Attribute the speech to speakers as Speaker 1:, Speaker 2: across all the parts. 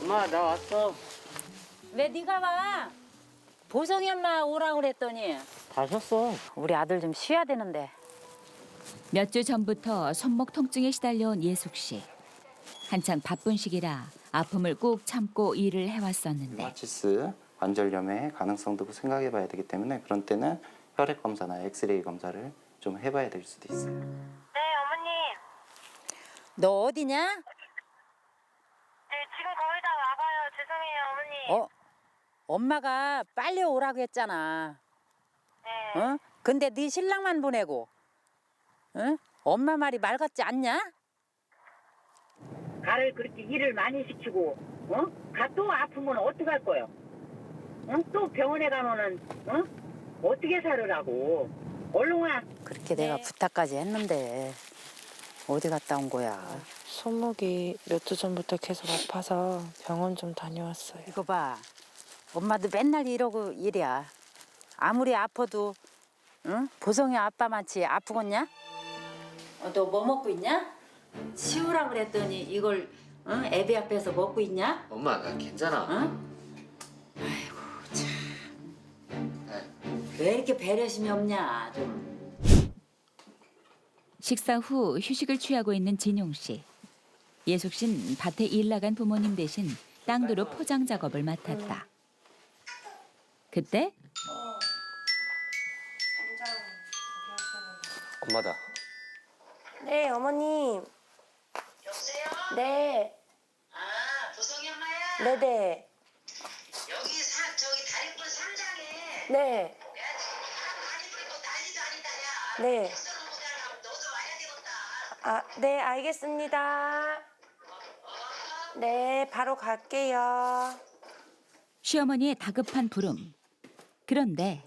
Speaker 1: 엄마 나 왔어.
Speaker 2: 왜 네가 와? 보성이 엄마 오라고 그랬더니
Speaker 1: 다 쉬었어.
Speaker 2: 우리 아들 좀 쉬어야 되는데.
Speaker 3: 몇 주 전부터 손목 통증에 시달려온 예숙 씨. 한창 바쁜 시기라 아픔을 꾹 참고 일을 해왔었는데
Speaker 4: 류마티스 관절염의 가능성도 생각해 봐야 되기 때문에 그런 때는 혈액 검사나 엑스레이 검사를 좀 해봐야 될 수도 있어요.
Speaker 5: 네, 어머님.
Speaker 2: 너 어디냐?
Speaker 5: 네, 지금 거의 다 와가요. 죄송해요, 어머니.
Speaker 2: 엄마가 빨리 오라고 했잖아.
Speaker 5: 네.
Speaker 2: 어? 근데 네 신랑만 보내고, 응? 엄마 말이 말 같지 않냐?
Speaker 6: 가를 그렇게 일을 많이 시키고, 어? 가 또 아프면 어떡할 거요? 응? 또 병원에 가면은, 어떻게 살으라고? 얼른 와.
Speaker 2: 그렇게 내가 부탁까지 했는데 어디 갔다 온 거야?
Speaker 7: 손목이 몇 주 전부터 계속 아파서 병원 좀 다녀왔어요.
Speaker 2: 이거 봐, 엄마도 맨날 이러고 일이야. 아무리 아파도, 응? 보성이 아빠만치 아프겠냐? 너 뭐 먹고 있냐? 치우라 그랬더니 이걸 응? 애비 앞에서 먹고 있냐?
Speaker 1: 엄마 나 괜찮아.
Speaker 2: 응? 아이고 참. 왜 이렇게 배려심이 없냐 좀.
Speaker 3: 식사 후 휴식을 취하고 있는 진용 씨. 예숙 씨는 밭에 일 나간 부모님 대신 땅두루 포장 작업을 맡았다. 그때
Speaker 1: 엄마다.
Speaker 5: 네, 어머님.
Speaker 8: 여보세요?
Speaker 5: 네.
Speaker 8: 아, 보성이 엄마야?
Speaker 5: 네네.
Speaker 8: 여기 저기 다리꾼 상장에
Speaker 5: 네.
Speaker 8: 내가 지금 많이 불고 난리도 아니다, 야.
Speaker 5: 네.
Speaker 8: 백서는 모자라 너도 와야 되겠다.
Speaker 5: 아, 네, 알겠습니다. 네, 바로 갈게요.
Speaker 3: 시어머니의 다급한 부름. 그런데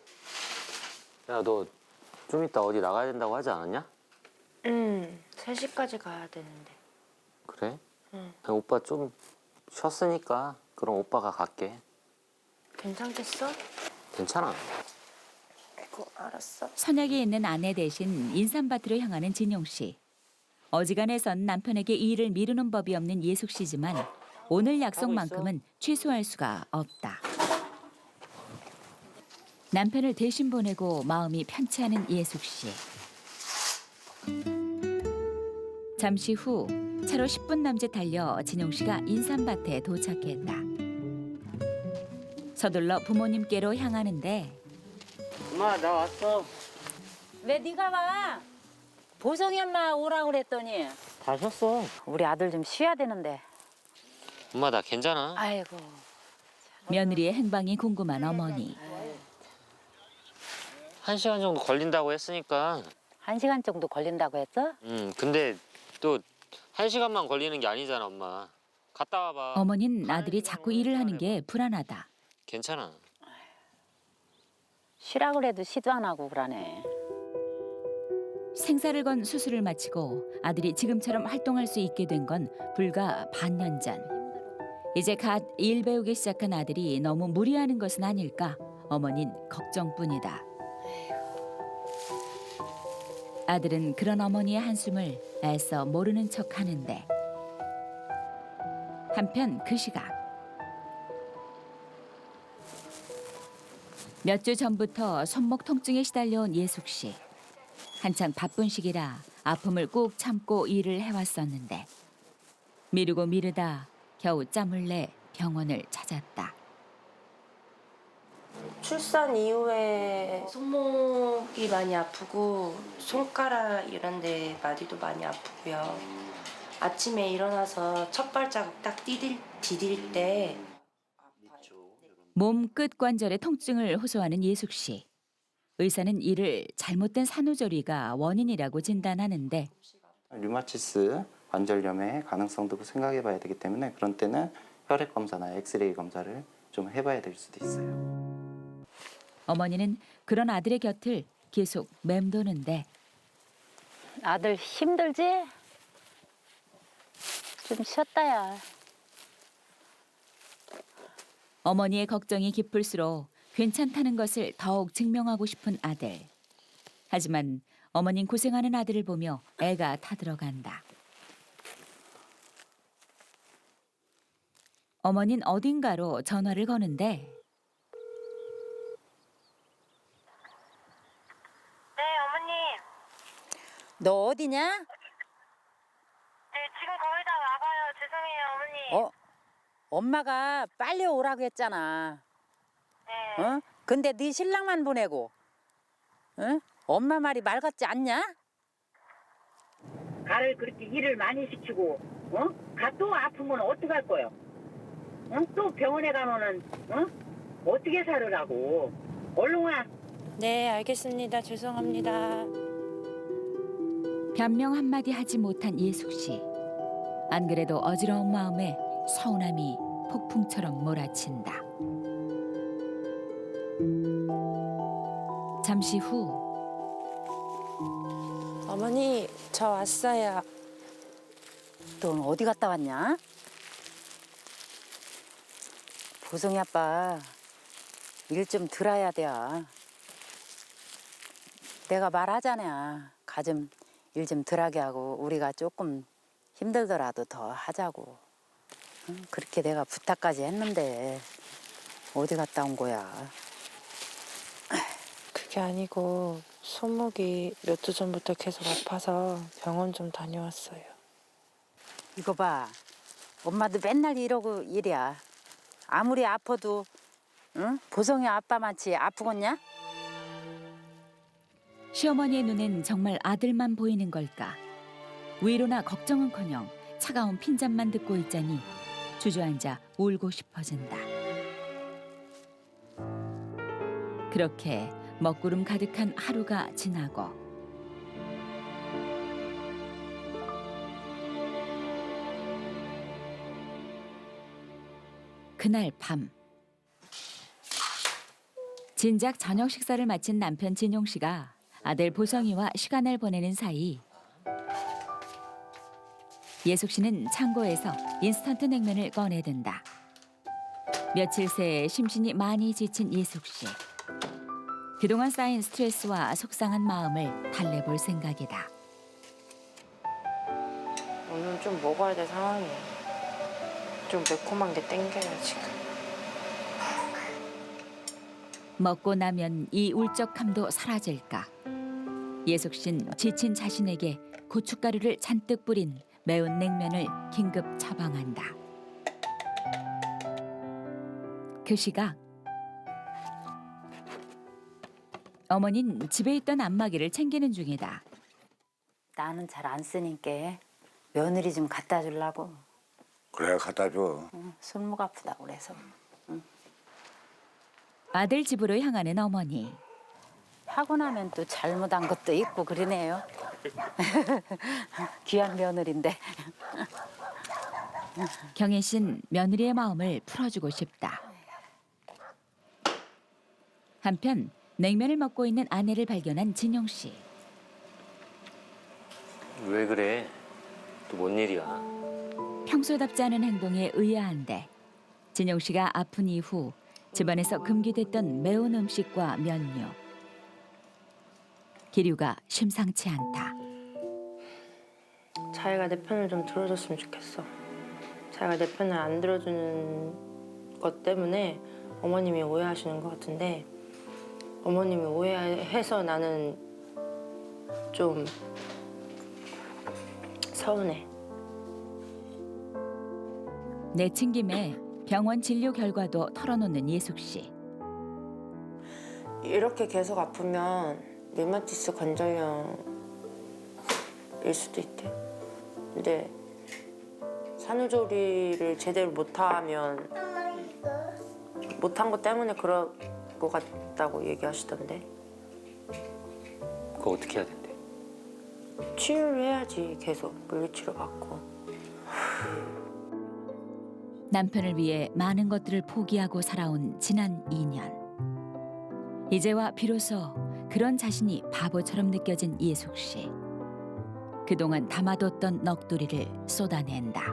Speaker 1: 야 너 좀 이따 어디 나가야 된다고 하지 않았냐?
Speaker 5: 3시까지 가야 되는데.
Speaker 1: 그래?
Speaker 5: 응.
Speaker 1: 오빠 좀 쉬었으니까 그럼 오빠가 갈게.
Speaker 5: 괜찮겠어?
Speaker 1: 괜찮아.
Speaker 5: 아이고, 알았어.
Speaker 3: 선약이 있는 아내 대신 인삼밭으로 향하는 진용 씨. 어지간해선 남편에게 일을 미루는 법이 없는 예숙 씨지만 오늘 약속만큼은 취소할 수가 없다. 남편을 대신 보내고 마음이 편치 않은 예숙 씨. 잠시 후 차로 10분 남짓 달려 진용 씨가 인삼밭에 도착했다. 서둘러 부모님께로 향하는데
Speaker 1: 엄마 나 왔어.
Speaker 2: 왜 네가 와? 보성이 엄마 오라고 그랬더니
Speaker 1: 다 쉬었어.
Speaker 2: 우리 아들 좀 쉬어야 되는데.
Speaker 1: 엄마 나 괜찮아.
Speaker 2: 아이고
Speaker 3: 며느리의 행방이 궁금한 어머니.
Speaker 1: 1시간 정도 걸린다고 했으니까.
Speaker 2: 1시간 정도 걸린다고 했어?
Speaker 1: 근데 또 1시간만 걸리는 게 아니잖아, 엄마. 갔다 와봐.
Speaker 3: 어머니는 아들이 자꾸 일을 하는 게 불안하다.
Speaker 1: 괜찮아.
Speaker 2: 쉬라 그래도 시도 안 하고 그러네.
Speaker 3: 생사를 건 수술을 마치고 아들이 지금처럼 활동할 수 있게 된 건 불과 반년 전. 이제 갓 일 배우기 시작한 아들이 너무 무리하는 것은 아닐까 어머닌 걱정뿐이다. 아들은 그런 어머니의 한숨을 애써 모르는 척하는데 한편 그 시각 몇 주 전부터 손목 통증에 시달려온 예숙 씨. 한창 바쁜 시기라 아픔을 꾹 참고 일을 해왔었는데 미루고 미루다 겨우 짬을 내 병원을 찾았다.
Speaker 5: 출산 이후에 손목이 많이 아프고 손가락 이런 데 마디도 많이 아프고요. 아침에 일어나서 첫 발자국 딱 디딜 때
Speaker 3: 몸 끝 관절의 통증을 호소하는 예숙 씨. 의사는 이를 잘못된 산후조리가 원인이라고 진단하는데
Speaker 4: 류마티스 관절염의 가능성도 생각해 봐야 되기 때문에 그런 때는 혈액 검사나 엑스레이 검사를 좀 해봐야 될 수도 있어요.
Speaker 3: 어머니는 그런 아들의 곁을 계속 맴도는데
Speaker 2: 아들 힘들지? 좀 쉬었다야.
Speaker 3: 어머니의 걱정이 깊을수록 괜찮다는 것을 더욱 증명하고 싶은 아들. 하지만 어머닌 고생하는 아들을 보며 애가 타들어간다. 어머닌 어딘가로 전화를 거는데
Speaker 5: 네, 어머님.
Speaker 2: 너 어디냐?
Speaker 5: 네, 지금 거의 다 와가요. 죄송해요, 어머님.
Speaker 2: 어? 엄마가 빨리 오라고 했잖아.
Speaker 5: 네.
Speaker 2: 어? 근데 네 신랑만 보내고, 응? 엄마 말이 말 같지 않냐?
Speaker 6: 가를 그렇게 일을 많이 시키고, 가 또 아프면 어떡할 거요? 또 병원에 가면은, 어떻게 살으라고? 얼른 와.
Speaker 7: 네, 알겠습니다. 죄송합니다.
Speaker 3: 변명 한마디 하지 못한 예숙 씨. 안 그래도 어지러운 마음에 서운함이 폭풍처럼 몰아친다. 잠시 후
Speaker 7: 어머니, 저 왔어요.
Speaker 2: 너 오늘 어디 갔다 왔냐? 보성이 아빠 일 좀 들어야 돼. 내가 말하잖아. 가 좀 일 좀 덜하게 하고 우리가 조금 힘들더라도 더 하자고. 응? 그렇게 내가 부탁까지 했는데 어디 갔다 온 거야?
Speaker 7: 그게 아니고 손목이 몇 주 전부터 계속 아파서 병원 좀 다녀왔어요.
Speaker 2: 이거 봐. 엄마도 맨날 이러고 일이야. 아무리 아파도 응? 보성이 아빠만치 아프겠냐?
Speaker 3: 시어머니의 눈엔 정말 아들만 보이는 걸까? 위로나 걱정은커녕 차가운 핀잔만 듣고 있자니 주저앉아 울고 싶어진다. 그렇게 먹구름 가득한 하루가 지나고 그날 밤 진작 저녁 식사를 마친 남편 진용 씨가 아들 보성이와 시간을 보내는 사이 예숙 씨는 창고에서 인스턴트 냉면을 꺼내든다. 며칠 새 심신이 많이 지친 예숙 씨. 그동안 쌓인 스트레스와 속상한 마음을 달래볼 생각이다.
Speaker 7: 오늘 좀 먹어야 될 상황이에요. 좀 매콤한 게 땡겨요, 지금.
Speaker 3: 먹고 나면 이 울적함도 사라질까. 예숙 씨는 지친 자신에게 고춧가루를 잔뜩 뿌린 매운 냉면을 긴급 처방한다. 그 시각 어머니는 집에 있던 안마기를 챙기는 중이다.
Speaker 2: 나는 잘 안 쓰니까 며느리 좀 갖다 주려고.
Speaker 9: 그래 갖다 줘.
Speaker 2: 응, 손목 아프다고 그래서.
Speaker 3: 아들 집으로 향하는 어머니.
Speaker 2: 하고 나면 또 잘못한 것도 있고 그러네요. 귀한 며느리인데.
Speaker 3: 경혜 씨는 며느리의 마음을 풀어주고 싶다. 한편 냉면을 먹고 있는 아내를 발견한 진용 씨.
Speaker 1: 왜 그래? 또 뭔 일이야?
Speaker 3: 평소답지 않은 행동에 의아한데 진용 씨가 아픈 이후 집안에서 금기됐던 매운 음식과 면류. 기류가 심상치 않다.
Speaker 5: 자기가 내 편을 좀 들어줬으면 좋겠어. 자기가 내 편을 안 들어주는 것 때문에 어머님이 오해하시는 것 같은데 어머님이 오해해서 나는 좀 서운해.
Speaker 3: 내친 김에 병원 진료 결과도 털어놓는 예숙 씨.
Speaker 5: 이렇게 계속 아프면 류마티스 관절염일 수도 있대. 근데 산후조리를 제대로 못하면 못한 것 때문에 그럴 것 같다고 얘기하시던데.
Speaker 1: 그거 어떻게 해야 된대?
Speaker 5: 치료를 해야지. 계속 물리치료 받고.
Speaker 3: 남편을 위해 많은 것들을 포기하고 살아온 지난 2년. 이제와 비로소 그런 자신이 바보처럼 느껴진 예숙 씨. 그동안 담아뒀던 넋두리를 쏟아낸다.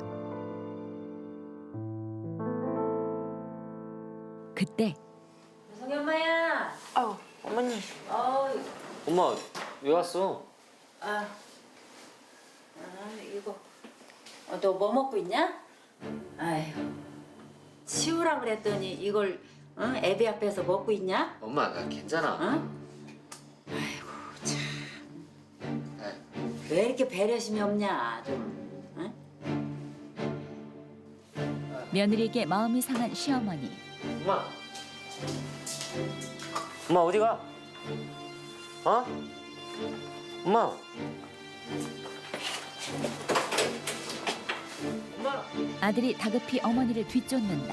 Speaker 3: 그때
Speaker 2: 보성이 엄마야.
Speaker 5: 아우, 어머니.
Speaker 1: 엄마 왜 왔어?
Speaker 2: 이거. 너 뭐 먹고 있냐? 아유. 치우라 그랬더니 이걸 응? 애비 앞에서 먹고 있냐?
Speaker 1: 엄마 나 괜찮아.
Speaker 2: 응? 아이고 참. 왜 이렇게 배려심이 없냐 좀. 응?
Speaker 3: 며느리에게 마음이 상한 시어머니.
Speaker 1: 엄마. 엄마 어디 가? 어? 엄마. 엄마.
Speaker 3: 아들이 다급히 어머니를 뒤쫓는다.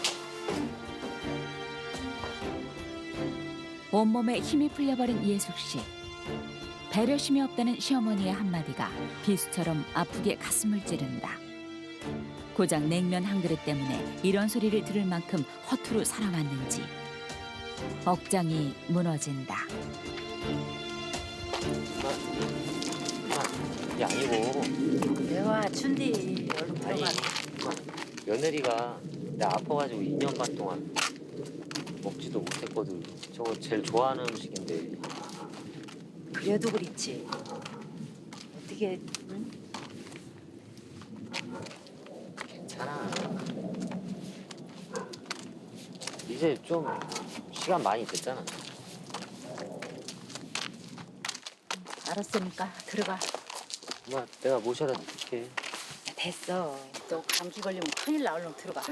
Speaker 3: 온몸에 힘이 풀려버린 예숙 씨. 배려심이 없다는 시어머니의 한마디가 비수처럼 아프게 가슴을 찌른다. 고작 냉면 한 그릇 때문에 이런 소리를 들을 만큼 허투루 살아왔는지 억장이 무너진다.
Speaker 1: 이게 아니고
Speaker 2: 내와 춘디 얼른
Speaker 1: 아니
Speaker 2: 들어가.
Speaker 1: 며느리가 내가 아파가지고 2년 반 동안 먹지도 못했거든. 저거 제일 좋아하는 음식인데.
Speaker 2: 그래도 그렇지. 어떻게 응?
Speaker 1: 괜찮아. 이제 좀 시간 많이 됐잖아.
Speaker 2: 알았으니까 들어가.
Speaker 1: 엄마 내가 모셔다 줄게.
Speaker 2: 됐어. 또 감기 걸리면 큰일 나. 얼른 들어가.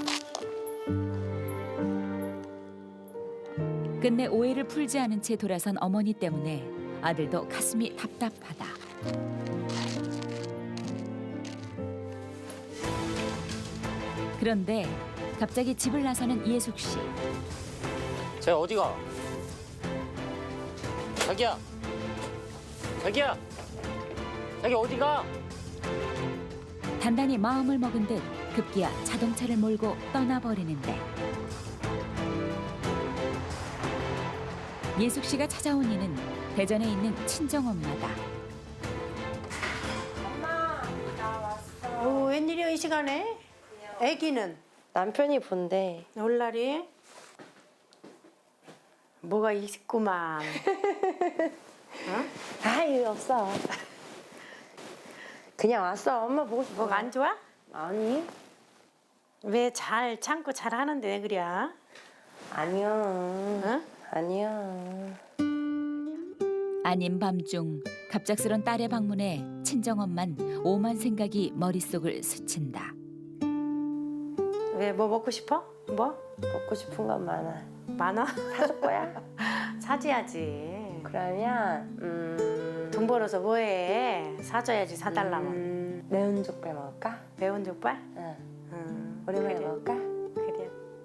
Speaker 3: 끝내 오해를 풀지 않은 채 돌아선 어머니 때문에 아들도 가슴이 답답하다. 그런데 갑자기 집을 나서는 예숙 씨.
Speaker 1: 쟤 어디 가? 자기야. 자기야. 자기 어디 가?
Speaker 3: 단단히 마음을 먹은 듯 급기야 자동차를 몰고 떠나버리는데 예숙 씨가 찾아온 이는 대전에 있는 친정엄마다.
Speaker 10: 오, 웬일이야 이 시간에? 애기는
Speaker 5: 남편이 본데
Speaker 10: 올 날이 뭐가 있구만.
Speaker 5: 아유 없어. 그냥 왔어. 엄마 보고 싶어.
Speaker 10: 뭐가 안 좋아?
Speaker 5: 아니
Speaker 10: 왜 잘 참고 잘 하는데 왜 그래?
Speaker 5: 아니야.
Speaker 10: 응?
Speaker 5: 아니야.
Speaker 3: 아닌 밤중 갑작스런 딸의 방문에 친정엄만 오만 생각이 머릿속을 스친다.
Speaker 10: 왜 뭐 먹고 싶어? 뭐?
Speaker 5: 먹고 싶은 건 많아.
Speaker 10: 많아?
Speaker 5: 사줄 거야?
Speaker 10: 사줘야지.
Speaker 5: 그러면
Speaker 10: 돈 벌어서 뭐해? 사줘야지 사달라면.
Speaker 5: 매운 족발 먹을까?
Speaker 10: 매운 족발?
Speaker 5: 응. 오랜만에
Speaker 10: 그래.
Speaker 5: 먹을까?
Speaker 10: 그래.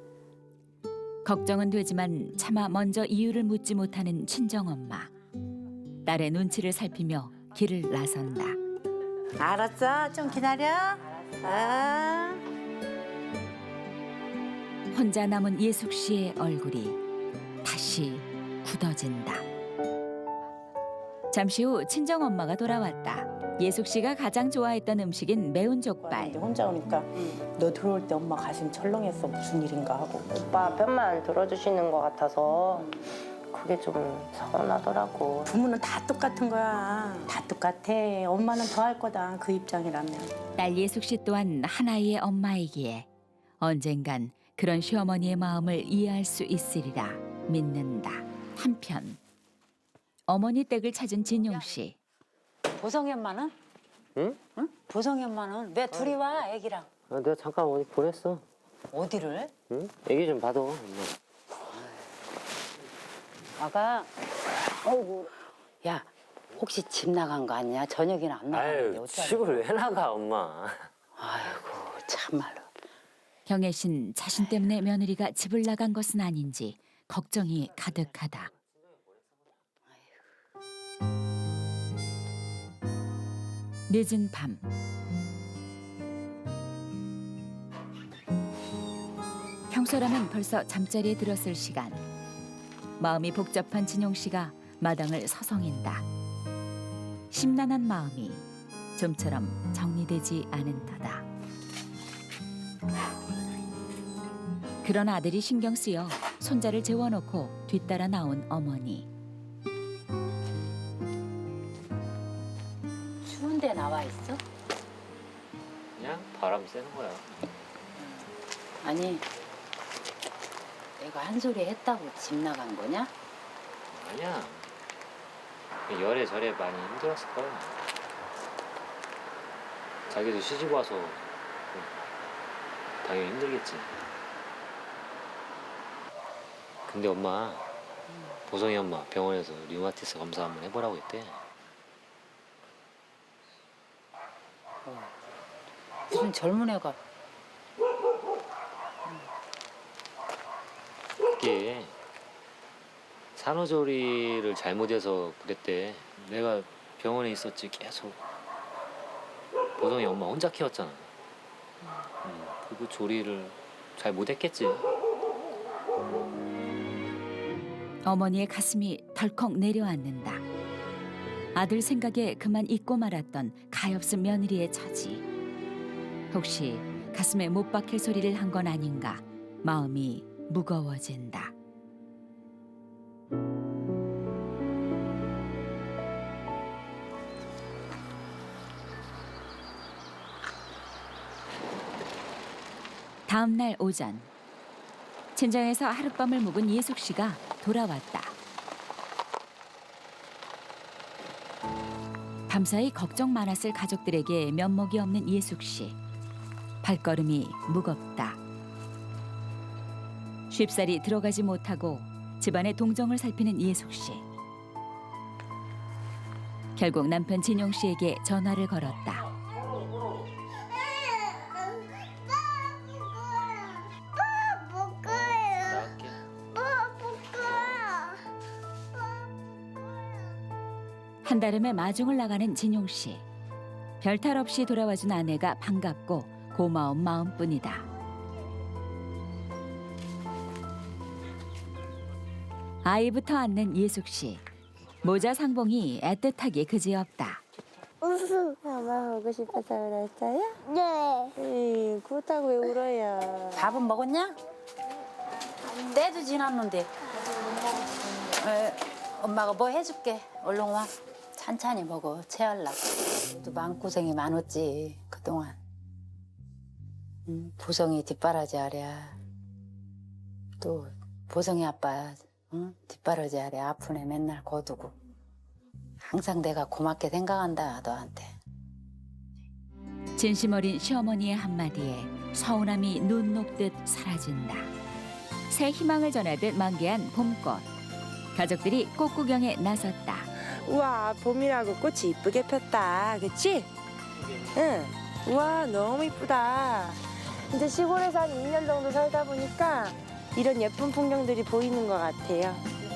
Speaker 3: 걱정은 되지만 차마 먼저 이유를 묻지 못하는 친정엄마. 딸의 눈치를 살피며 길을 나선다.
Speaker 10: 알았어. 좀 기다려. 아.
Speaker 3: 혼자 남은 예숙 씨의 얼굴이 다시 굳어진다. 잠시 후 친정엄마가 돌아왔다. 예숙 씨가 가장 좋아했던 음식인 매운 족발.
Speaker 11: 혼자 오니까 너 들어올 때 엄마 가슴 철렁했어. 무슨 일인가 하고.
Speaker 5: 오빠 편만 들어주시는 것 같아서 그게 좀 서운하더라고.
Speaker 10: 부모는 다 똑같은 거야. 다 똑같아. 엄마는 더 할 거다. 그 입장이라면.
Speaker 3: 딸 예숙 씨 또한 하나의 엄마이기에 언젠간 그런 시어머니의 마음을 이해할 수 있으리라 믿는다. 한편 어머니 댁을 찾은 진용 씨.
Speaker 2: 보성이 엄마는?
Speaker 1: 응?
Speaker 2: 응? 보성이 엄마는 왜 둘이 와 애기랑?
Speaker 1: 아, 내가 잠깐 어디 보냈어.
Speaker 2: 어디를?
Speaker 1: 응? 애기 좀 봐둬. 엄마.
Speaker 2: 아가. 어이구. 야 혹시 집 나간 거 아니야? 저녁이나 안 나갔는데
Speaker 1: 아유
Speaker 2: 어떡하냐?
Speaker 1: 집을 왜 나가 엄마.
Speaker 2: 아이고 참말로.
Speaker 3: 경혜신 자신 때문에 며느리가 집을 나간 것은 아닌지 걱정이 가득하다. 늦은 밤 평소라면 벌써 잠자리에 들었을 시간. 마음이 복잡한 진용 씨가 마당을 서성인다. 심란한 마음이 좀처럼 정리되지 않은 터다. 그런 아들이 신경 쓰여 손자를 재워놓고 뒤따라 나온 어머니.
Speaker 2: 추운데 나와 있어?
Speaker 1: 그냥 바람 쐬는 거야.
Speaker 2: 아니 내가 한 소리 했다고 집 나간 거냐?
Speaker 1: 아니야. 열에 절에 많이 힘들었을 거야. 자기도 시집 와서 당연히 힘들겠지. 근데 엄마, 보성이 엄마 병원에서 류마티스 검사 한번 해보라고 했대.
Speaker 2: 무슨 젊은 애가
Speaker 1: 그게 산후조리를 잘못해서 그랬대. 내가 병원에 있었지 계속. 보성이 엄마 혼자 키웠잖아. 그리고 조리를 잘 못했겠지.
Speaker 3: 어머니의 가슴이 덜컥 내려앉는다. 아들 생각에 그만 잊고 말았던 가엾은 며느리의 처지. 혹시 가슴에 못 박힐 소리를 한 건 아닌가 마음이 무거워진다. 다음 날 오전 친정에서 하룻밤을 묵은 예숙 씨가 돌아왔다. 밤사이 걱정 많았을 가족들에게 면목이 없는 예숙 씨. 발걸음이 무겁다. 쉽사리 들어가지 못하고 집안의 동정을 살피는 예숙 씨. 결국 남편 진용 씨에게 전화를 걸었다.
Speaker 1: 나갈게.
Speaker 3: 한달음에 마중을 나가는 진용 씨. 별탈 없이 돌아와준 아내가 반갑고 고마운 마음뿐이다. 아이부터 안는 예숙 씨. 모자 상봉이 애틋하기 그지없다.
Speaker 5: 엄마 보고 싶어서 그랬어요? 네. 그렇다고 왜 울어요?
Speaker 2: 밥은 먹었냐? 때도 지났는데. 엄마가 뭐 해줄게. 얼른 와. 찬찬히 먹어. 체할라. 또 마음고생이 많았지 그동안. 보성이 뒷바라지 하랴. 또 보성이 아빠 뒷바라지 하랴. 아픈 애 맨날 거두고. 항상 내가 고맙게 생각한다 너한테.
Speaker 3: 진심 어린 시어머니의 한마디에 서운함이 눈 녹듯 사라진다. 새 희망을 전하듯 만개한 봄꽃. 가족들이 꽃 구경에 나섰다.
Speaker 5: 우와, 봄이라고 꽃이 이쁘게 폈다. 그치? 응. 우와, 너무 이쁘다. 이제 시골에서 한 2년 정도 살다 보니까 이런 예쁜 풍경들이 보이는 것 같아요.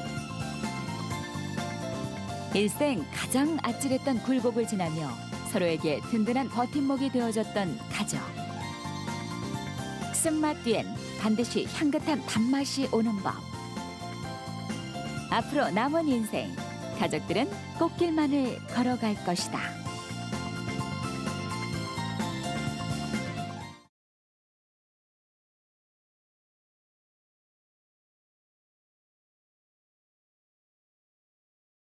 Speaker 3: 일생 가장 아찔했던 굴곡을 지나며 서로에게 든든한 버팀목이 되어줬던 가족. 쓴맛 뒤엔 반드시 향긋한 단맛이 오는 법. 앞으로 남은 인생, 가족들은 꽃길만을 걸어갈 것이다.